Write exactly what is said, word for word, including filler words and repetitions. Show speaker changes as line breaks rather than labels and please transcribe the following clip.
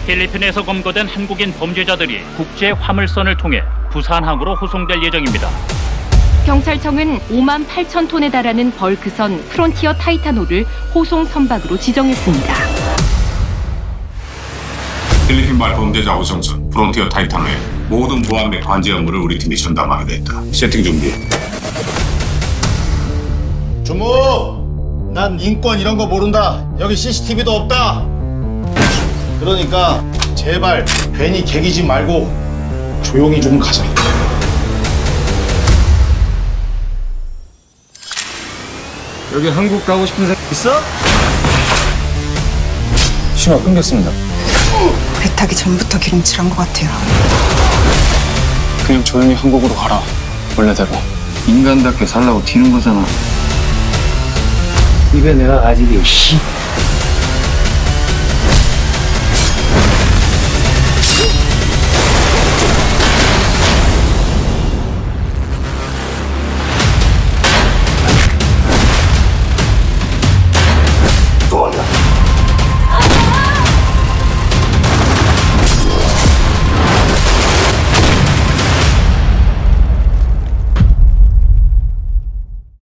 필리핀에서 검거된 한국인 범죄자들이 국제 화물선을 통해 부산항으로 호송될 예정입니다.
경찰청은 오만 팔천 톤에 달하는 벌크선 프론티어 타이타노를 호송 선박으로 지정했습니다.
필리핀발 범죄자 호송선 프론티어 타이탄의 모든 보안 및 관제 업무를 우리 팀이 전담하게 됐다. 세팅 준비.
주무! 난 인권 이런 거 모른다. 여기 씨씨티비도 없다. 그러니까 제발 괜히 개기지 말고 조용히 좀 가자.
여기 한국 가고 싶은 사람 있어?
신호 끊겼습니다.
배 타기 전부터 기름칠한 것 같아요.
그냥 조용히 한국으로 가라. 원래대로.
인간답게 살라고 튀는 거잖아.
입에 내가 가지게 씨.